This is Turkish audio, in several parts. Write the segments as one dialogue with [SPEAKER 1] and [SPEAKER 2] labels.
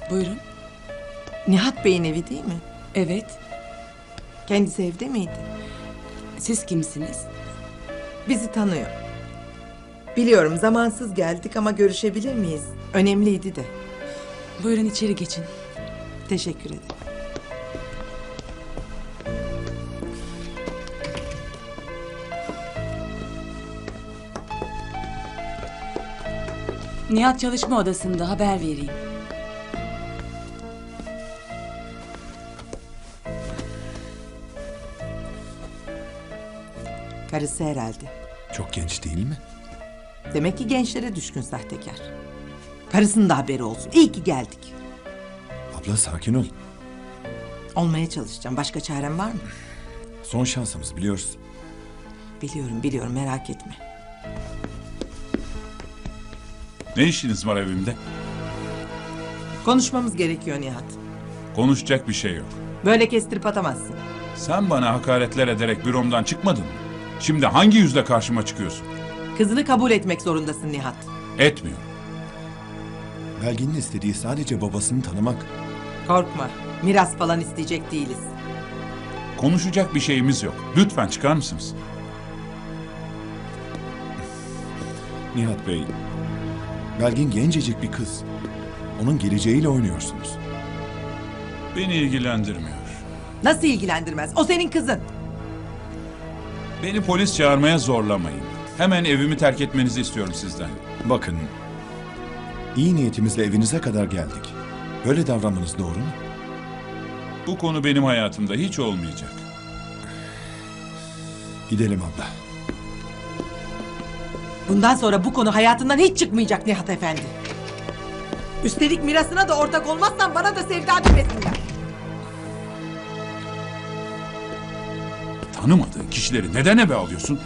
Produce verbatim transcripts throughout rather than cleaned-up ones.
[SPEAKER 1] Buyurun.
[SPEAKER 2] Nihat Bey'in evi değil mi?
[SPEAKER 1] Evet.
[SPEAKER 2] Kendisi evde miydi?
[SPEAKER 1] Siz kimsiniz?
[SPEAKER 2] Bizi tanıyor. Biliyorum zamansız geldik ama görüşebilir miyiz? Önemliydi de.
[SPEAKER 1] Buyurun içeri geçin.
[SPEAKER 2] Teşekkür ederim.
[SPEAKER 1] Nihat çalışma odasında, haber vereyim.
[SPEAKER 2] Karısı herhalde.
[SPEAKER 3] Çok genç değil mi?
[SPEAKER 2] Demek ki gençlere düşkün sahtekar. Karısının da haberi olsun. İyi ki geldik.
[SPEAKER 3] Abla sakin ol.
[SPEAKER 2] Olmaya çalışacağım. Başka çarem var mı?
[SPEAKER 3] Son şansımız biliyoruz.
[SPEAKER 2] Biliyorum biliyorum merak etme.
[SPEAKER 4] Ne işiniz var evimde?
[SPEAKER 2] Konuşmamız gerekiyor Nihat.
[SPEAKER 4] Konuşacak bir şey yok.
[SPEAKER 2] Böyle kestirip atamazsın.
[SPEAKER 4] Sen bana hakaretler ederek büromdan çıkmadın mı? Şimdi hangi yüzle karşıma çıkıyorsun?
[SPEAKER 2] Kızını kabul etmek zorundasın Nihat.
[SPEAKER 4] Etmiyorum.
[SPEAKER 3] Belgin'in istediği sadece babasını tanımak.
[SPEAKER 2] Korkma. Miras falan isteyecek değiliz.
[SPEAKER 4] Konuşacak bir şeyimiz yok. Lütfen çıkar mısınız?
[SPEAKER 3] Nihat Bey, Belgin gencecik bir kız. Onun geleceğiyle oynuyorsunuz.
[SPEAKER 4] Beni ilgilendirmiyor.
[SPEAKER 2] Nasıl ilgilendirmez? O senin kızın.
[SPEAKER 4] Beni polis çağırmaya zorlamayın. Hemen evimi terk etmenizi istiyorum sizden.
[SPEAKER 3] Bakın, iyi niyetimizle evinize kadar geldik. Böyle davranmanız doğru mu?
[SPEAKER 4] Bu konu benim hayatımda hiç olmayacak.
[SPEAKER 3] Gidelim abla.
[SPEAKER 2] Bundan sonra bu konu hayatından hiç çıkmayacak Nihat Efendi. Üstelik mirasına da ortak olmazsan bana da sevda demesinler.
[SPEAKER 4] Tanımadığın kişileri neden eve alıyorsun?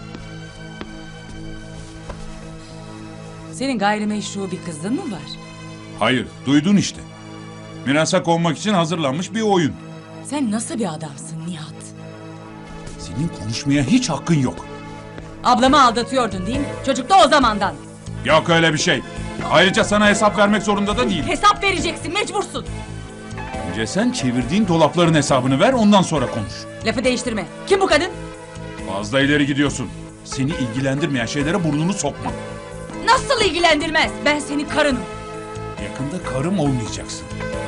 [SPEAKER 1] Senin gayrimeşru bir kızın mı var?
[SPEAKER 4] Hayır, duydun işte. Mirasa konmak için hazırlanmış bir oyun.
[SPEAKER 1] Sen nasıl bir adamsın Nihat?
[SPEAKER 4] Senin konuşmaya hiç hakkın yok.
[SPEAKER 1] Ablamı aldatıyordun değil mi? Çocuk da o zamandan.
[SPEAKER 4] Yok öyle bir şey. Ayrıca sana hesap vermek zorunda da değil.
[SPEAKER 1] Hesap vereceksin, mecbursun.
[SPEAKER 4] Önce sen çevirdiğin dolapların hesabını ver, ondan sonra konuş.
[SPEAKER 1] Lafı değiştirme. Kim bu kadın?
[SPEAKER 4] Fazla ileri gidiyorsun. Seni ilgilendirmeyen şeylere burnunu sokma.
[SPEAKER 1] Nasıl ilgilendirmez? Ben senin karınım.
[SPEAKER 4] Yakında karım olmayacaksın.